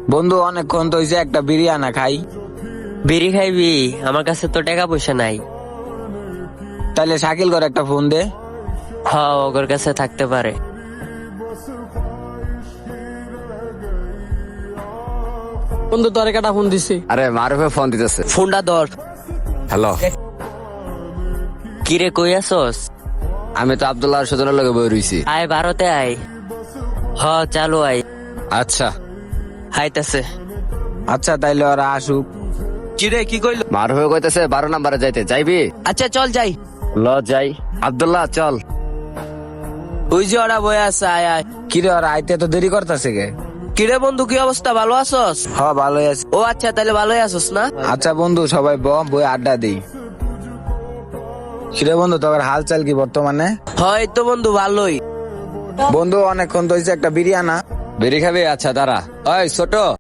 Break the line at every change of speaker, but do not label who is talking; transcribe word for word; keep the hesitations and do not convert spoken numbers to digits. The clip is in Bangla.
বন্ধু অনেকক্ষণ তো হয়েছে, একটা বিরিয়ানা খাই।
বিড়ি খাইবি? আমার কাছে তো টাকা পয়সা নাই।
তাইলে শাকিল করে একটা ফোন দে।
হ, ওর কাছে থাকতে পারে।
বন্ধু তোর কাটা ফোন দিছি।
আরে মারুফে ফোন দিতেছে।
ফোনটা ধর।
হ্যালো,
কিরে কই আসস?
আমি তো আব্দুল্লাহ সুজনের লগে বই রইছি।
আয় ভারতে আয়। হ চালু আয়।
আচ্ছা,
হাইতাছে।
আচ্ছা তাইলে ওরা আসুক।
কিরে কি কইল?
মারুফে কইতেছে বারো নাম্বারে যাইতে, যাইবি?
আচ্ছা চল যাই।
ল যাই। আব্দুল্লাহ চল।
ওই যে ওরা বয়ে আছে, আয় আয়।
কিরে ওরা আইতে তো দেরি করতেছে কে?
কিরে বন্ধু কি অবস্থা, ভালো আছস?
হ ভালোই আছে।
ও আচ্ছা, তাহলে ভালোই আছস না?
আচ্ছা বন্ধু সবাই ব বই আড্ডা দিই। কিরে বন্ধু তোর হাল চাল কি বর্তমানে?
হয় তো বন্ধু ভালোই।
বন্ধু অনেকক্ষণ তো হয়েছে, একটা বিরিয়ানা।
বেরি খাবি? আচ্ছা দাঁড়া। ওই ছোট,